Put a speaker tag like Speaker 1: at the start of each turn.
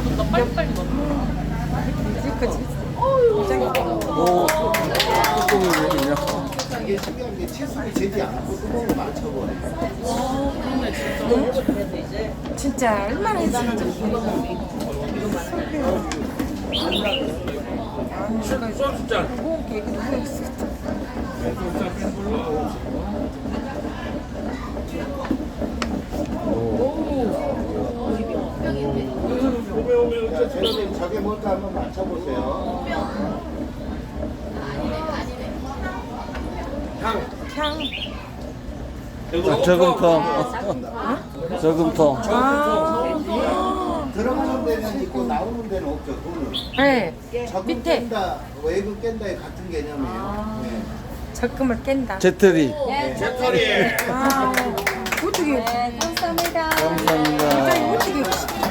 Speaker 1: 나 빨리빨리 먹어.
Speaker 2: 그치?
Speaker 3: 오, 뚜껑이 왜 있냐?
Speaker 4: 이게 신기한 게 채소를 재지 않고 뚜껑을 맞춰버려요.
Speaker 2: 진짜 얼마나 했는지.
Speaker 1: 소주잔.
Speaker 2: 무거운 게 누구 있어?
Speaker 4: 자, 재료님 저게 뭘까 한번 맞춰보세요.
Speaker 2: 향.
Speaker 3: 저금통. 저금통.
Speaker 4: 들어가는 데는 있고 나오는 데는 없죠, 돈은.
Speaker 2: 네.
Speaker 4: 적금
Speaker 2: 밑에
Speaker 4: 깬다, 외국 깬다의 같은 개념이에요. 네.
Speaker 2: 적금을 깬다.
Speaker 3: 재떨이.
Speaker 1: 배터리.
Speaker 2: 아, 어떻게?
Speaker 3: 감사합니다.
Speaker 2: 어떻게?